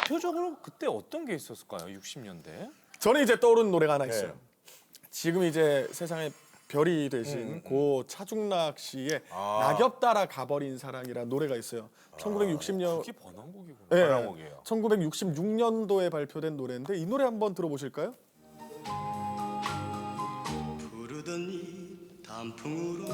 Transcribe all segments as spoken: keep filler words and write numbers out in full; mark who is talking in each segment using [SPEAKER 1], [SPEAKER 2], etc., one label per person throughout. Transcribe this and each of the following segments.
[SPEAKER 1] 대표적으로 그때 어떤 게 있었을까요? 육십 년대?
[SPEAKER 2] 저는 이제 떠오르는 노래가 하나
[SPEAKER 3] 네.
[SPEAKER 2] 있어요. 지금 이제 세상에 별이 되신
[SPEAKER 3] 음, 음.
[SPEAKER 2] 고 차중락 씨의
[SPEAKER 3] 아.
[SPEAKER 2] 낙엽 따라 가버린 사랑이라는 노래가 있어요. 천구백육십 년
[SPEAKER 1] 그게 번안곡이구나.
[SPEAKER 2] 네,
[SPEAKER 3] 번안곡이에요.
[SPEAKER 2] 천구백육십육 년도에 발표된 노래인데 이 노래 한번 들어보실까요?
[SPEAKER 4] 부르던 이 단풍으로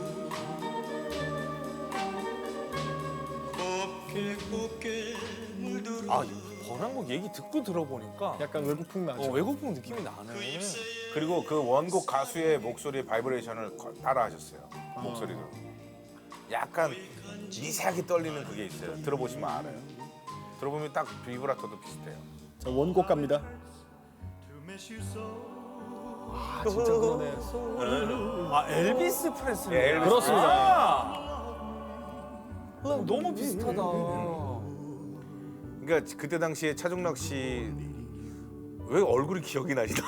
[SPEAKER 4] 곱게 곱게 물들어
[SPEAKER 1] 아, 이 번안곡 얘기 듣고 들어보니까
[SPEAKER 2] 약간 외국풍 나죠.
[SPEAKER 1] 어, 외국풍 느낌이 나네.
[SPEAKER 3] 그리고 그 원곡 가수의 목소리 바이브레이션을 거- 따라하셨어요. 목소리도. 약간 미세하게 떨리는 그게 있어요. 들어보시면 알아요. 들어보면 딱 비브라토도 비슷해요.
[SPEAKER 2] 자, 원곡 갑니다. 아, 진짜 그러네.
[SPEAKER 1] 아, 엘비스 프레슬리.
[SPEAKER 3] 예, 엘비스
[SPEAKER 2] 그렇습니다.
[SPEAKER 1] 아! 어, 너무 비슷하다.
[SPEAKER 3] 그러니까 그때 당시에 차중락 씨 왜 얼굴이 기억이 나시나?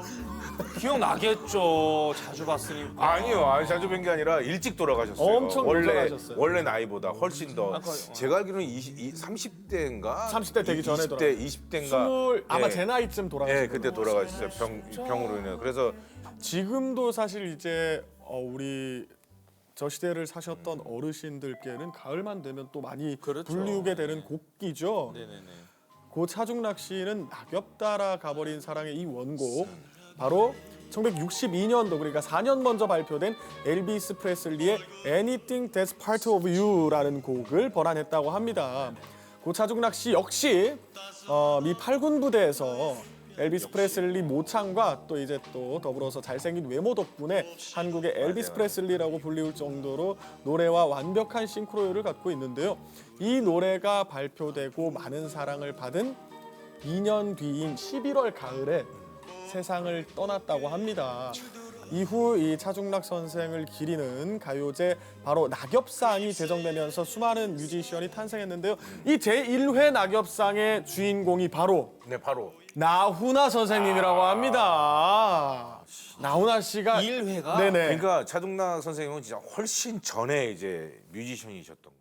[SPEAKER 1] 기억나겠죠. 자주 봤으니까.
[SPEAKER 3] 아니요, 아니, 자주 뵌 게 아니라 일찍 돌아가셨어요.
[SPEAKER 2] 엄청
[SPEAKER 3] 원래
[SPEAKER 2] 돌아가셨어요.
[SPEAKER 3] 원래 나이보다 훨씬 더.
[SPEAKER 1] 아까, 어.
[SPEAKER 3] 제가 알기로는 이십, 삼십 대인가?
[SPEAKER 2] 삼십 대 되기 전에
[SPEAKER 3] 이십 대, 이십 대인가?
[SPEAKER 2] 스물 아마
[SPEAKER 3] 예.
[SPEAKER 2] 제 나이쯤 돌아가신
[SPEAKER 3] 예, 그때 돌아가셨어요. 병 병으로 인해. 그래서
[SPEAKER 2] 지금도 사실 이제 어, 우리 저 시대를 사셨던 어르신들께는 가을만 되면 또 많이
[SPEAKER 1] 그렇죠.
[SPEAKER 2] 불리우게 되는 곡이죠.
[SPEAKER 1] 네네네.
[SPEAKER 2] 고 차중락 씨는 낙엽 따라 가버린 사랑의 이 원곡 바로 천구백육십이 년도 그러니까 사 년 먼저 발표된 엘비스 프레슬리의 Anything That's Part of You라는 곡을 번안했다고 합니다. 고 차중락 씨 역시 어, 미 팔군 부대에서 엘비스 프레슬리 모창과 또 이제 또 더불어서 잘생긴 외모 덕분에 한국의 엘비스 프레슬리라고 불리울 정도로 노래와 완벽한 싱크로율을 갖고 있는데요. 이 노래가 발표되고 많은 사랑을 받은 이 년 뒤인 십일월 가을에 세상을 떠났다고 합니다. 이후 이 차중락 선생을 기리는 가요제 바로 낙엽상이 제정되면서 수많은 뮤지션이 탄생했는데요. 이 제일 회 낙엽상의 주인공이 바로
[SPEAKER 3] 네, 바로
[SPEAKER 2] 나훈아 선생님이라고 합니다. 나훈아 씨가
[SPEAKER 1] 일 회가?
[SPEAKER 2] 네네.
[SPEAKER 3] 그러니까 차중락 선생님은 진짜 훨씬 전에 이제 뮤지션이셨던 거예요.